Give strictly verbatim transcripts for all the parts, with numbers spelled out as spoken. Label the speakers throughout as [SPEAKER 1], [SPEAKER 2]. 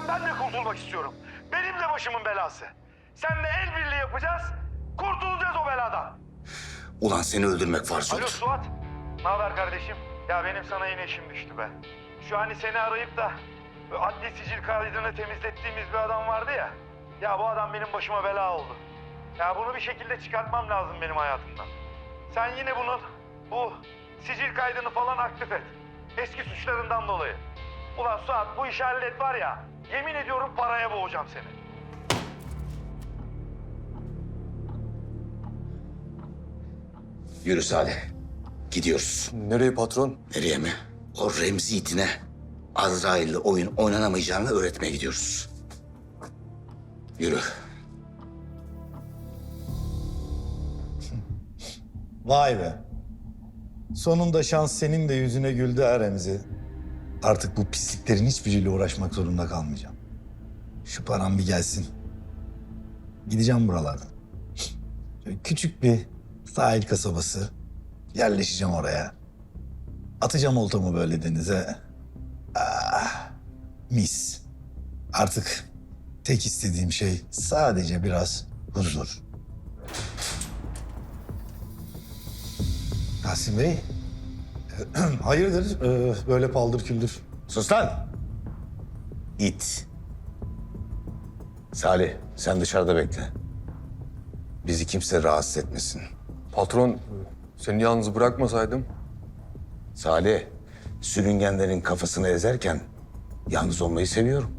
[SPEAKER 1] Ben de kurtulmak istiyorum. Benim de başımın belası. Seninle el birliği yapacağız. Kurtulacağız o beladan.
[SPEAKER 2] Ulan seni öldürmek farz
[SPEAKER 1] Alo
[SPEAKER 2] olur.
[SPEAKER 1] Suat. Ne haber kardeşim? Ya benim sana yine işim düştü be. Şu hani seni arayıp da adli sicil kaydını temizlettiğimiz bir adam vardı ya. Ya bu adam benim başıma bela oldu. Ya bunu bir şekilde çıkartmam lazım benim hayatımdan. Sen yine bunun bu sicil kaydını falan aktif et. Eski suçlarından dolayı. Ulan Suat bu işi hallet var ya. Yemin ediyorum paraya boğacağım seni.
[SPEAKER 2] Yürü Salih. Gidiyoruz.
[SPEAKER 3] Nereye patron?
[SPEAKER 2] Nereye mi? O Remzi itine Azrail'le oyun oynanamayacağını öğretmeye gidiyoruz. Yürü.
[SPEAKER 4] Vay be. Sonunda şans senin de yüzüne güldü ha Remzi. Artık bu pisliklerin hiçbiriyle uğraşmak zorunda kalmayacağım. Şu param bir gelsin. Gideceğim buralardan. Şöyle küçük bir sahil kasabası. Yerleşeceğim oraya. Atacağım oltamı böyle denize. Ah, mis. Artık tek istediğim şey sadece biraz huzur. Tahsin Bey, hayırdır ee, böyle paldır küldür?
[SPEAKER 2] Sus lan! İt. Salih, sen dışarıda bekle. Bizi kimse rahatsız etmesin.
[SPEAKER 3] Patron, seni yalnız bırakmasaydım.
[SPEAKER 2] Salih, sürüngenlerin kafasını ezerken yalnız olmayı seviyorum.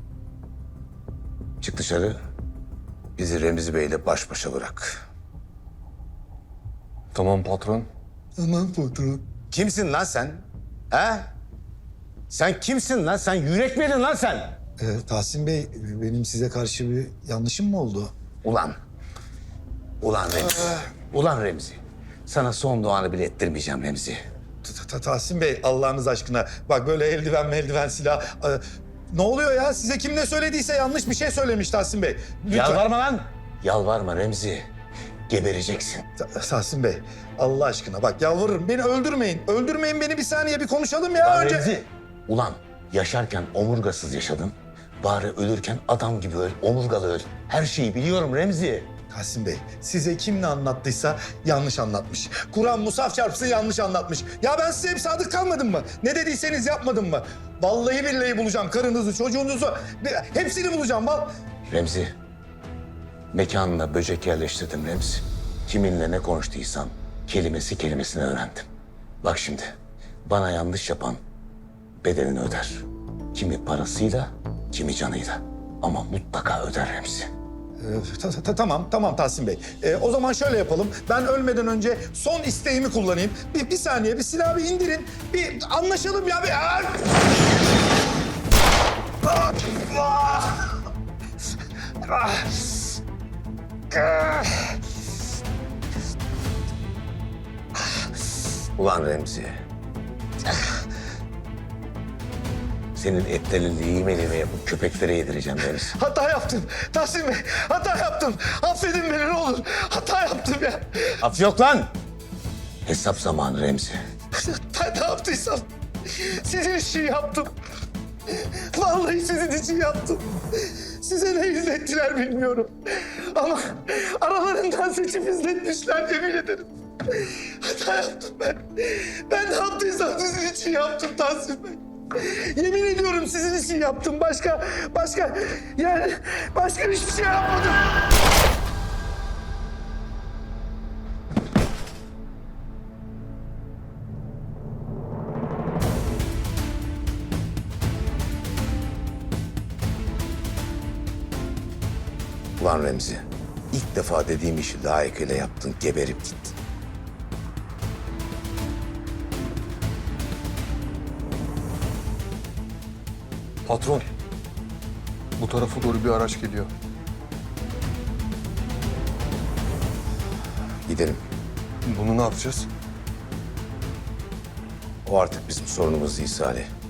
[SPEAKER 2] Çık dışarı, bizi Remzi Bey'le baş başa bırak.
[SPEAKER 3] Tamam patron.
[SPEAKER 4] Aman patron.
[SPEAKER 2] Kimsin lan sen? He? Sen kimsin lan? Sen yürek miydin lan sen?
[SPEAKER 4] Ee, Tahsin Bey, benim size karşı bir yanlışım mı oldu?
[SPEAKER 2] Ulan. Ulan Remzi. Ulan Remzi. Sana son duanı bile ettirmeyeceğim Remzi.
[SPEAKER 4] Ta- ta- Tahsin Bey, Allah'ınız aşkına. Bak böyle eldiven eldiven silah. Ee, ne oluyor ya? Size kim ne söylediyse yanlış bir şey söylemiş Tahsin Bey. Lütfen.
[SPEAKER 2] Yalvarma lan. Yalvarma Remzi. Gebereceksin.
[SPEAKER 4] Ta- Tahsin Bey, Allah aşkına bak yalvarırım. Beni öldürmeyin. Öldürmeyin beni, bir saniye bir konuşalım ya
[SPEAKER 2] Lan
[SPEAKER 4] önce.
[SPEAKER 2] Remzi. Ulan yaşarken omurgasız yaşadın. Bari ölürken adam gibi öl, omurgalı öl. Her şeyi biliyorum Remzi.
[SPEAKER 4] Tahsin Bey, size kim ne anlattıysa yanlış anlatmış. Kur'an musaf çarpsın yanlış anlatmış. Ya ben size hep sadık kalmadım mı? Ne dediyseniz yapmadım mı? Vallahi billahi bulacağım karınızı, çocuğunuzu. Hepsini bulacağım. Val
[SPEAKER 2] Remzi. Mekanına böcek yerleştirdim Remzi. Kiminle ne konuştuysam kelimesi kelimesine öğrendim. Bak şimdi bana yanlış yapan bedelini öder. Kimi parasıyla, kimi canıyla. Ama mutlaka öder Remzi.
[SPEAKER 4] Ee, ta- ta- tamam, tamam Tahsin Bey. Ee, o zaman şöyle yapalım. Ben ölmeden önce son isteğimi kullanayım. Bir, bir saniye, bir silahı bir indirin. Bir anlaşalım ya. Bir... Ah! Ah! Ah! Ah! Ah!
[SPEAKER 2] Ulan Remzi. Senin etlerini lime lime yapıp köpeklere yedireceğim Remzi.
[SPEAKER 4] Hata yaptım. Tahsin Bey, hata yaptım. Affedin beni ne olur. Hata yaptım ya.
[SPEAKER 2] Af yok lan. Hesap zamanı Remzi.
[SPEAKER 4] Ben ne yaptıysam sizin için yaptım. Vallahi sizin için yaptım. Size ne izlettiler bilmiyorum. Ama aralarından seçip izletmişler yemin ederim. Hata yaptım ben. Ben ne yaptıysam sizin için yaptım Tahsin Bey. Yemin ediyorum sizin için yaptım. Başka, başka, yani başka hiçbir şey yapmadım.
[SPEAKER 2] Ulan Remzi. İlk defa dediğim işi layıkıyla yaptın, geberip gittin.
[SPEAKER 3] Patron, bu tarafa doğru bir araç geliyor.
[SPEAKER 2] Gidelim.
[SPEAKER 3] Bunu ne yapacağız?
[SPEAKER 2] O artık bizim sorunumuz değil Salih.